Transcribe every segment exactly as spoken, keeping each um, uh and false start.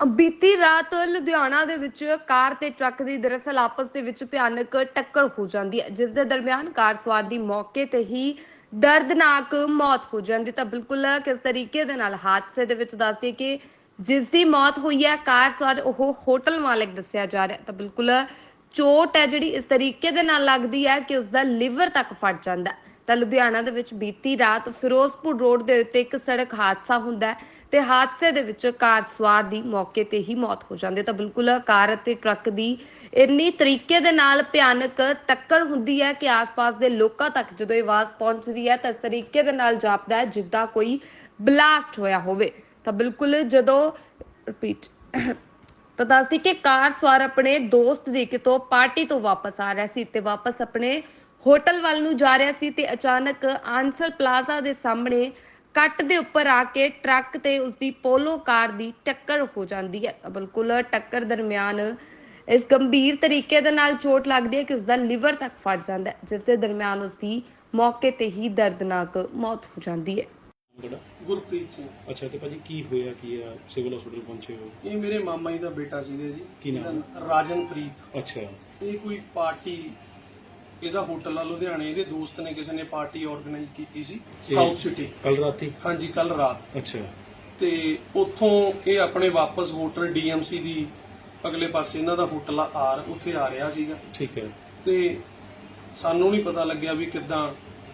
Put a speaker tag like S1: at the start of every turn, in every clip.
S1: ਬੀਤੀ ਰਾਤ ਲੁਧਿਆਣਾ ਦੇ ਵਿੱਚ ਕਾਰ ਤੇ ਟਰੱਕ ਦੀ ਦਰਅਸਲ ਆਪਸ ਦੇ ਵਿੱਚ ਭਿਆਨਕ ਟੱਕਰ ਹੋ ਜਾਂਦੀ ਹੈ, ਜਿਸ ਦੇ ਦਰਮਿਆਨ ਕਾਰ ਸਵਾਰ ਦੀ ਮੌਕੇ ਤੇ ਹੀ ਦਰਦਨਾਕ ਮੌਤ ਹੋ ਜਾਂਦੀ। ਤਾਂ ਬਿਲਕੁਲ ਕਿਸ ਤਰੀਕੇ ਦੇ ਨਾਲ ਹਾਦਸੇ ਦੇ ਵਿੱਚ ਦੱਸਦੀ ਕਿ ਜਿਸ ਦੀ ਮੌਤ ਹੋਈ ਹੈ ਕਾਰ ਸਵਾਰ ਉਹ ਹੋਟਲ ਮਾਲਕ ਦੱਸਿਆ ਜਾ ਰਿਹਾ। ਤਾਂ ਬਿਲਕੁਲ ਚੋਟ ਹੈ ਜਿਹੜੀ ਇਸ ਤਰੀਕੇ ਦੇ ਨਾਲ ਲੱਗਦੀ ਹੈ ਕਿ ਉਸ ਦਾ ਲਿਵਰ ਤੱਕ ਫਟ ਜਾਂਦਾ ਹੈ। ਤਾਂ ਲੁਧਿਆਣਾ ਦੇ ਵਿੱਚ ਬੀਤੀ ਰਾਤ ਫਿਰੋਜ਼ਪੁਰ ਰੋਡ ਦੇ ਉੱਤੇ ਇੱਕ ਸੜਕ ਹਾਦਸਾ ਹੁੰਦਾ ਹੈ ਤੇ ਹਾਦਸੇ ਦੇ ਵਿੱਚ ਕਾਰ ਸਵਾਰ ਦੀ ਮੌਕੇ ਤੇ ਹੀ ਮੌਤ ਹੋ ਜਾਂਦੀ। ਤਾਂ ਬਿਲਕੁਲ ਕਾਰ ਅਤੇ ਟਰੱਕ ਦੀ ਇੰਨੀ ਤਰੀਕੇ ਦੇ ਨਾਲ ਭਿਆਨਕ ਟੱਕਰ ਹੁੰਦੀ ਹੈ ਕਿ ਆਸ-ਪਾਸ ਦੇ ਲੋਕਾਂ ਤੱਕ ਜਦੋਂ ਇਹ ਆਵਾਜ਼ ਪਹੁੰਚਦੀ ਹੈ ਤਾਂ ਇਸ ਤਰੀਕੇ ਦੇ ਨਾਲ ਜਾਪਦਾ ਹੈ ਜਿੱਦਾਂ ਕੋਈ ਬਲਾਸਟ ਹੋਇਆ ਹੋਵੇ। ਤਾਂ ਬਿਲਕੁਲ ਜਦੋਂ ਰਿਪੀਟ ਤਾਂ ਦੱਸਦੀ ਕਿ ਕਾਰ ਸਵਾਰ ਆਪਣੇ ਦੋਸਤ ਦੀ ਕਿਤੋਂ ਪਾਰਟੀ ਤੋਂ ਵਾਪਸ ਆ ਰਿਹਾ ਸੀ ਤੇ ਵਾਪਸ ਆਪਣੇ ਹੋਟਲ ਵੱਲ ਨੂੰ ਜਾ ਰਿਹਾ ਸੀ ਤੇ ਅਚਾਨਕ ਆਂਸਰ ਪਲਾਜ਼ਾ ਦੇ ਸਾਹਮਣੇ ਕੱਟ ਦੇ ਉੱਪਰ ਆ ਕੇ ਟਰੱਕ ਤੇ ਉਸਦੀ ਪੋਲੋ ਕਾਰ ਦੀ ਟੱਕਰ ਹੋ ਜਾਂਦੀ ਹੈ। ਤਾਂ ਬਿਲਕੁਲ ਟੱਕਰ ਦਰਮਿਆਨ ਇਸ ਗੰਭੀਰ ਤਰੀਕੇ ਦੇ ਨਾਲ ਚੋਟ ਲੱਗਦੀ ਹੈ ਕਿ ਉਸਦਾ ਲਿਵਰ ਤੱਕ ਫਟ ਜਾਂਦਾ ਹੈ, ਜਿਸ ਦੇ ਦਰਮਿਆਨ ਉਸਦੀ ਮੌਕੇ ਤੇ ਹੀ ਦਰਦਨਾਕ ਮੌਤ ਹੋ ਜਾਂਦੀ ਹੈ।
S2: ਗੁਰਪ੍ਰੀਤ ਸਿੰਘ।
S3: ਅੱਛਾ ਤੇ ਭਾਜੀ ਕੀ ਹੋਇਆ ਕੀ ਆ ਸਿਵਲ ਹਸਪੀਟਲ ਪਹੁੰਚੇ ਹੋ?
S2: ਇਹ ਮੇਰੇ ਮਾਮਾ ਜੀ ਦਾ ਬੇਟਾ ਸੀਗਾ ਜੀ।
S3: ਕੀ ਨਾਮ?
S2: ਰਾਜਨਪ੍ਰੀਤ।
S3: ਅੱਛਾ।
S2: ਇਹ ਕੋਈ ਪਾਰਟੀ ਇਹਦਾ ਹੋਟਲ ਆ ਲੁਧਿਆਣੇ, ਇਹਦੇ ਦੋਸਤ ਨੇ ਕਿਸੇ ਨੇ ਪਾਰਟੀ ਆਰਗੇਨਾਈਜ਼ ਕੀਤੀ ਸੀ ਸਾਊਥ ਸਿਟੀ।
S3: ਕੱਲ ਰਾਤੀ?
S2: ਹਾਂਜੀ ਕੱਲ ਰਾਤ।
S3: ਅੱਛਾ।
S2: ਤੇ ਉੱਥੋਂ ਇਹ ਆਪਣੇ ਵਾਪਸ ਹੋਟਲ ਡੀਐਮਸੀ ਦੀ ਅਗਲੇ ਪਾਸੇ ਇਹਨਾਂ ਦਾ ਹੋਟਲ ਆ ਆਰ, ਉੱਥੇ ਆ ਰਿਹਾ ਸੀਗਾ।
S3: ਠੀਕ ਹੈ।
S2: ਤੇ ਸਾਨੂੰ ਨਹੀਂ ਪਤਾ ਲੱਗਿਆ ਵੀ ਕਿੱਦਾਂ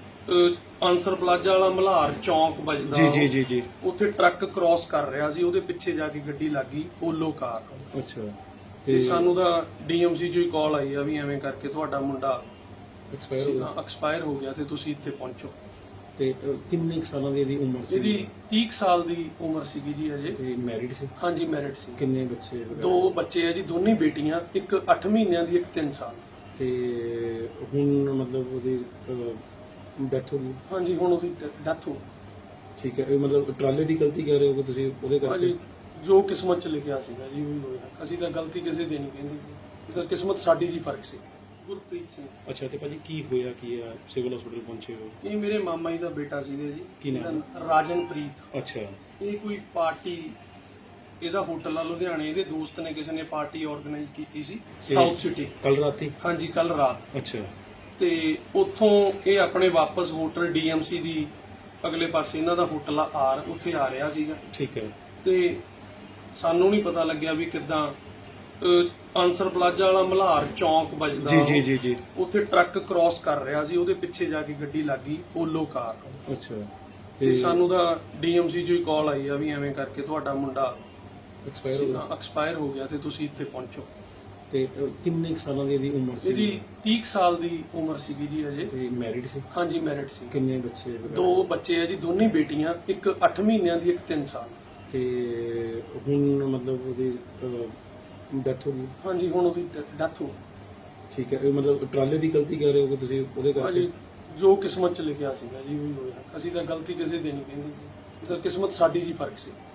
S2: ਆਂਸਰ ਪਲਾਜ਼ਾ ਵਾਲਾ ਮਲਹਾਰ ਚੌਂਕ ਵੱਜਦਾ।
S3: ਜੀ ਜੀ ਜੀ ਜੀ।
S2: ਉੱਥੇ ਟਰੱਕ ਕ੍ਰਾਸ ਕਰ ਰਿਹਾ ਸੀ, ਉਹਦੇ ਪਿੱਛੇ ਜਾ ਕੇ ਗੱਡੀ ਲੱਗ ਗਈ ਪੋਲੋ ਕਾਰ।
S3: ਅੱਛਾ।
S2: ਤੇ ਸਾਨੂੰ ਤਾਂ ਡੀਐਮਸੀ ਚੋਂ ਹੀ ਕਾਲ ਆਈ ਆ ਵੀ ਐਵੇਂ ਕਰਕੇ ਤੁਹਾਡਾ ਮੁੰਡਾ
S3: ਐਕਸਪਾਇਰ ਹੋ ਗਿਆ
S2: ਐਕਸਪਾਇਰ ਹੋ ਗਿਆ ਤੇ ਤੁਸੀਂ ਇੱਥੇ ਪਹੁੰਚੋ।
S3: ਤੇ ਕਿੰਨੇ ਸਾਲਾਂ ਦੀ ਇਹਦੀ ਉਮਰ ਸੀ?
S2: ਇਹਦੀ ਤੀਹ ਸਾਲ ਦੀ ਉਮਰ ਸੀਗੀ ਜੀ ਅਜੇ।
S3: ਤੇ ਮੈਰਿਡ ਸੀ?
S2: ਹਾਂਜੀ ਮੈਰਿਡ ਸੀ।
S3: ਕਿੰਨੇ ਬੱਚੇ?
S2: ਦੋ ਬੱਚੇ ਆ ਜੀ, ਦੋਨੇ ਬੇਟੀਆਂ, ਇੱਕ ਅੱਠ ਮਹੀਨਿਆਂ ਦੀ, ਇੱਕ ਤਿੰਨ ਸਾਲ।
S3: ਤੇ ਹੁਣ ਮਤਲਬ ਉਹਦੀ ਡੈਥ ਹੋ ਗਈ?
S2: ਹਾਂਜੀ ਹੁਣ ਉਹਦੀ ਡੈਥ ਹੋ।
S3: ਠੀਕ ਹੈ। ਇਹ ਮਤਲਬ ਟਰਾਲੇ ਦੀ ਗਲਤੀ ਕਰ ਰਹੇ ਹੋ ਕਿ ਤੁਸੀਂ ਉਹਦੇ ਕਰਕੇ?
S2: ਹਾਂਜੀ ਜੋ ਕਿਸਮਤ ਚ ਲਿਖਿਆ ਸੀਗਾ ਜੀ ਉਹੀ ਹੋਇਆ। ਅਸੀਂ ਤਾਂ ਗਲਤੀ ਕਿਸੇ ਦੀ ਨਹੀਂ ਕਹਿੰਦੇ, ਇਹ ਤਾਂ ਕਿਸਮਤ ਸਾਡੀ ਜੀ ਫਰਕ ਸੀ। ਗੁਰਪ੍ਰੀਤ ਸਿੰਘ।
S3: ਅੱਛਾ ਤੇ ਭਾਜੀ ਕੀ ਹੋਇਆ ਕੀ ਆ ਸਿਵਲ ਹਸਪੀਟਲ ਪਹੁੰਚੇ ਹੋ?
S2: ਇਹ ਮੇਰੇ ਮਾਮਾ ਜੀ ਦਾ ਬੇਟਾ ਸੀਗਾ ਜੀ।
S3: ਕੀ ਨਾਮ?
S2: ਰਾਜਨਪ੍ਰੀਤ।
S3: ਅੱਛਾ।
S2: ਇਹ ਕੋਈ ਪਾਰਟੀ ਇਹਦਾ ਹੋਟਲ ਆ ਲੁਧਿਆਣੇ, ਇਹਦੇ ਦੋਸਤ ਨੇ ਕਿਸੇ ਨੇ ਪਾਰਟੀ ਆਰਗੇਨਾਈਜ਼ ਕੀਤੀ ਸੀ ਸਾਊਥ ਸਿਟੀ।
S3: ਕੱਲ ਰਾਤੀ?
S2: ਹਾਂਜੀ ਕੱਲ ਰਾਤ।
S3: ਅੱਛਾ।
S2: ਤੇ ਉੱਥੋਂ ਇਹ ਆਪਣੇ ਵਾਪਸ ਹੋਟਲ ਡੀਐਮਸੀ ਦੀ ਅਗਲੇ ਪਾਸੇ ਇਹਨਾਂ ਦਾ ਹੋਟਲ ਆ ਆਰ, ਉੱਥੇ ਆ ਰਿਹਾ ਸੀਗਾ।
S3: ਠੀਕ ਹੈ।
S2: ਤੇ ਸਾਨੂੰ ਨਹੀਂ ਪਤਾ ਲੱਗਿਆ ਵੀ ਕਿੱਦਾਂ ਆਂਸਰ ਪਲਾਜ਼ਾ ਵਾਲਾ ਮਲਹਾਰ ਚੌਂਕ ਵੱਜਦਾ।
S3: ਜੀ ਜੀ ਜੀ ਜੀ।
S2: ਉੱਥੇ ਟਰੱਕ ਕ੍ਰਾਸ ਕਰ ਰਿਹਾ ਸੀ, ਉਹਦੇ ਪਿੱਛੇ ਜਾ ਕੇ ਗੱਡੀ ਲੱਗ ਗਈ ਪੋਲੋ ਕਾਰ।
S3: ਅੱਛਾ।
S2: ਤੇ ਸਾਨੂੰ ਤਾਂ ਡੀਐਮਸੀ ਚੋਂ ਹੀ ਕਾਲ ਆਈ ਆ ਵੀ ਐਵੇਂ ਕਰਕੇ ਤੁਹਾਡਾ ਮੁੰਡਾ
S3: ਐਕਸਪਾਇਰ ਹੋ ਗਿਆ
S2: ਐਕਸਪਾਇਰ ਹੋ ਗਿਆ ਤੇ ਤੁਸੀਂ ਇੱਥੇ ਪਹੁੰਚੋ।
S3: ਤੇ ਕਿੰਨੇ ਸਾਲਾਂ ਦੀ ਇਹਦੀ ਉਮਰ ਸੀ?
S2: ਇਹਦੀ ਤੀਹ ਸਾਲ ਦੀ ਉਮਰ ਸੀਗੀ ਜੀ ਅਜੇ।
S3: ਤੇ ਮੈਰਿਡ ਸੀ?
S2: ਹਾਂਜੀ ਮੈਰਿਡ ਸੀ।
S3: ਕਿੰਨੇ ਬੱਚੇ?
S2: ਦੋ ਬੱਚੇ ਆ ਜੀ, ਦੋਨੇ ਬੇਟੀਆਂ, ਇੱਕ ਅੱਠ ਮਹੀਨਿਆਂ ਦੀ, ਇੱਕ ਤਿੰਨ ਸਾਲ।
S3: ਤੇ ਹੁਣ ਮਤਲਬ ਉਹਦੀ ਡੈਥ ਹੋ ਗਈ?
S2: ਹਾਂਜੀ ਹੁਣ ਉਹਦੀ ਡੈਥ ਹੋ।
S3: ਠੀਕ ਹੈ। ਇਹ ਮਤਲਬ ਟਰਾਲੇ ਦੀ ਗਲਤੀ ਕਰ ਰਹੇ ਹੋ ਕਿ ਤੁਸੀਂ ਉਹਦੇ ਕਰਕੇ?
S2: ਹਾਂਜੀ ਜੋ ਕਿਸਮਤ ਚ ਲਿਖਿਆ ਸੀਗਾ ਜੀ ਉਹੀ ਹੋਇਆ। ਅਸੀਂ ਤਾਂ ਗਲਤੀ ਕਿਸੇ ਦੀ ਨਹੀਂ ਕਹਿੰਦੇ, ਇਹ ਤਾਂ ਕਿਸਮਤ ਸਾਡੀ ਜੀ ਫਰਕ ਸੀ।